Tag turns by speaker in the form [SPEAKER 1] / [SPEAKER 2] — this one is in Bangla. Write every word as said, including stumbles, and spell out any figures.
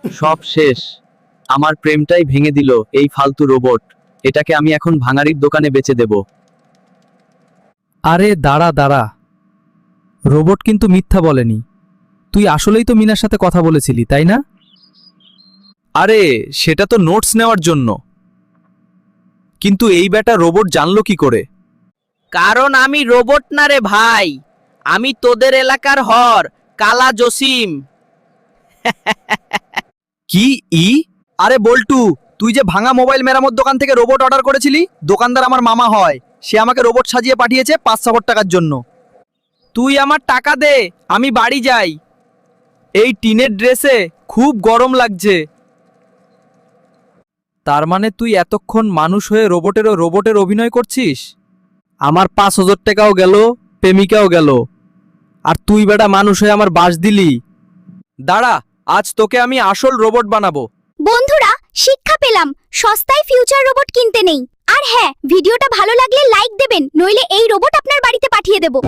[SPEAKER 1] সব শেষ। আমার প্রেমটাই ভেঙে দিল এই ফালতু রোবট। এটাকে আমি এখন ভাঙাড়ির দোকানে বেচে দেব।
[SPEAKER 2] আরে দাঁড়া দাঁড়া, রোবট কিন্তু মিথ্যা বলেনি। তুই আসলেই তো মিনার সাথে কথা বলেছিলি, তাই না?
[SPEAKER 1] আরে সেটা তো নোটস নেওয়ার জন্য, কিন্তু এই ব্যাটা রোবট জানলো কি করে?
[SPEAKER 3] কারণ আমি রোবট না রে ভাই, আমি তোদের এলাকার হর কালা জসিম।
[SPEAKER 1] কি ই? আরে বল্টু, তুই যে ভাঙা মোবাইল মেরামত দোকান থেকে রোবট অর্ডার করেছিলি, দোকানদার আমার মামা হয়। সে আমাকে রোবট সাজিয়ে পাঠিয়েছে পাঁচ হাজার টাকার জন্য।
[SPEAKER 3] তুই আমার টাকা দে, আমি বাড়ি যাই।
[SPEAKER 1] এই টিনের ড্রেসে খুব গরম লাগছে।
[SPEAKER 2] তার মানে তুই এতক্ষণ মানুষ হয়ে রোবটেরও রোবটের অভিনয় করছিস? আমার পাঁচ হাজার টাকাও গেল, প্রেমিকাও গেল, আর তুই বেটা মানুষ হয়ে আমার বাস দিলি।
[SPEAKER 1] দাঁড়া, আজ তোকে আমি আসল রোবট বানাবো।
[SPEAKER 4] বন্ধুরা, শিক্ষা পেলাম, সস্তায় ফিউচার রোবট কিনতে নেই। আর হ্যাঁ, ভিডিওটা ভালো লাগলে লাইক দেবেন, নইলে এই রোবট আপনার বাড়িতে পাঠিয়ে দেব।